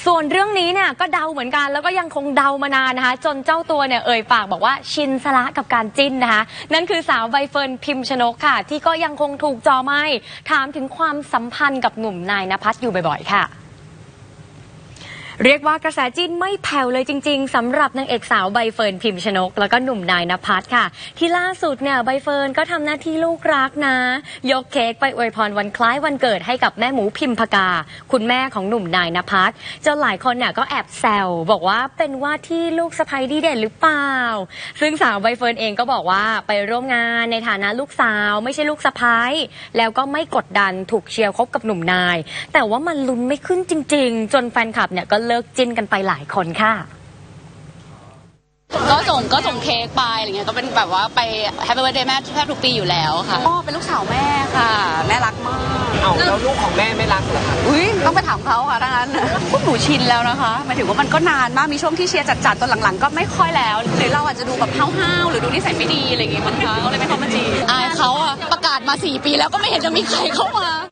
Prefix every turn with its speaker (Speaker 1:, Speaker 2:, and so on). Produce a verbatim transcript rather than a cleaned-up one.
Speaker 1: ส่วนเรื่องนี้เนี่ยก็เดาเหมือนกันแล้วก็ยังคงเดามานานนะคะจนเจ้าตัวเนี่ยเอ่ยปากบอกว่าชินซะละกับการจิ้นนะคะนั่นคือสาวใบเฟิร์นพิมชนกค่ะที่ก็ยังคงถูกจอไม้ถามถึงความสัมพันธ์กับหนุ่มนายณภัสอยู่บ่อยๆค่ะเรียกว่ากระแสจิ้นไม่แผ่วเลยจริงๆสำหรับนางเอกสาวใบเฟิร์นพิมชนกแล้วก็หนุ่มนายณภัสค่ะที่ล่าสุดเนี่ยใบเฟิร์นก็ทำหน้าที่ลูกรักนะยกเค้กไปอวยพรวันคล้ายวันเกิดให้กับแม่หมูพิมพกาคุณแม่ของหนุ่มนายณภัสจนหลายคนเนี่ยก็แอบแซวบอกว่าเป็นว่าที่ลูกสะใภ้ดีเด่นหรือเปล่าซึ่งสาวใบเฟิร์นเองก็บอกว่าไปร่วมงานในฐานะลูกสาวไม่ใช่ลูกสะใภ้แล้วก็ไม่กดดันถูกเชียร์คบกับหนุ่มนายแต่ว่ามันลุ้นไม่ขึ้นจริงๆจนแฟนคลับเนี่ยก็เลิกจิ้นกันไปหลายคนค่ะ
Speaker 2: ก็ส่งก็ส่งเค้กไปอะไรเงี้ยก็เป็นแบบว่าไปแฮปปี้เบิร์ธเดย์แม่แทบทุกปีอยู่แล้วค่ะก็เป็นลูกสาวแม่ค่ะแม่รักมาก
Speaker 3: เอาแล้วลูกของแม่ไม่รักเหรอคะ
Speaker 2: อุ้ยต้องไปถามเขาค่ะดังนั้นพวกหนูชินแล้วนะคะหมายถึงว่ามันก็นานมากมีช่วงที่เชียร์จัดๆตอนหลังๆก็ไม่ค่อยแล้วหรือเราอาจจะดูแบบห้าวๆหรือดูนิสัยไม่ดีอะไรอย่างเงี้ยมันเขาเลยไม่เข้ามาจีบอายเขาอะประกาศมาสี่ปีแล้วก็ไม่เห็นจะมีใครเข้ามา